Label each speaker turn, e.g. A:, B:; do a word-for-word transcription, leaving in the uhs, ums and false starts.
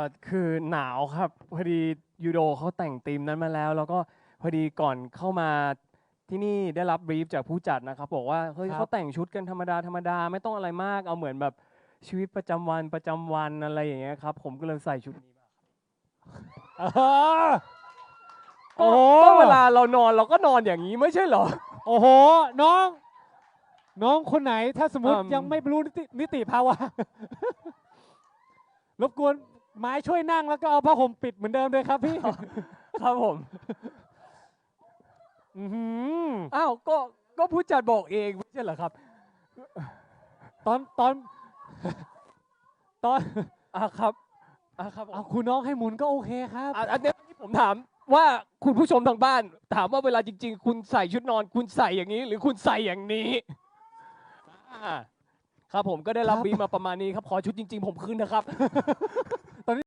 A: อคือหนาวครับพอดียูโดเขาแต่งธีมนั้นมาแล้ว แล้วก็พอดีก่อนเข้ามาที่นี่ได้รับบรีฟจากผู้จัดนะครับบอกว่าเฮ้ย
B: ครับ
A: เขาแต่งชุดกันธรรมดาธรรมดาไม่ต้องอะไรมากเอาเหมือนแบบชีวิตประจำวันประจำวันอะไรอย่างเงี้ยครับผมก็เลยใส่ชุดนี้มา
B: เออ
A: ก็
B: โอ้
A: ก็เวลาเรานอนเราก็นอนอย่างนี้ไม่ใช่เหรอ
B: โอ้โหน้อง น้องคนไหนถ้าสมมติ
A: อืม
B: ยังไม่รู้นิตินิติภาวะ รบกวนไม้ช่วยนั่งแล้วก็เอาผ้าห่มปิดเหมือนเดิมเลยครับพี่
A: ครับผม
B: อื้อหือ
A: อ้าวก็ก็ผู้จัดบอกเองไม่ใช่เหรอครับ
B: ตอนตอน ตอน
A: อ่ะครับอ่ะครับผม
B: เอาคุณน้องให้หมุนก็โอเคครับ
A: อ่ะอันเนี้ยที่ผมถามว่าคุณผู้ชมทางบ้าน ถามว่าเวลาจริง ๆ คุณใส่ชุดนอน คุณใส่อย่างนี้ หรือคุณใส่อย่างนี้อ่าครับผมก็ได้รับ
B: ครับ
A: บีฟมาประมาณนี้ครับขอชุดจริง ๆ ผมคืนนะครับ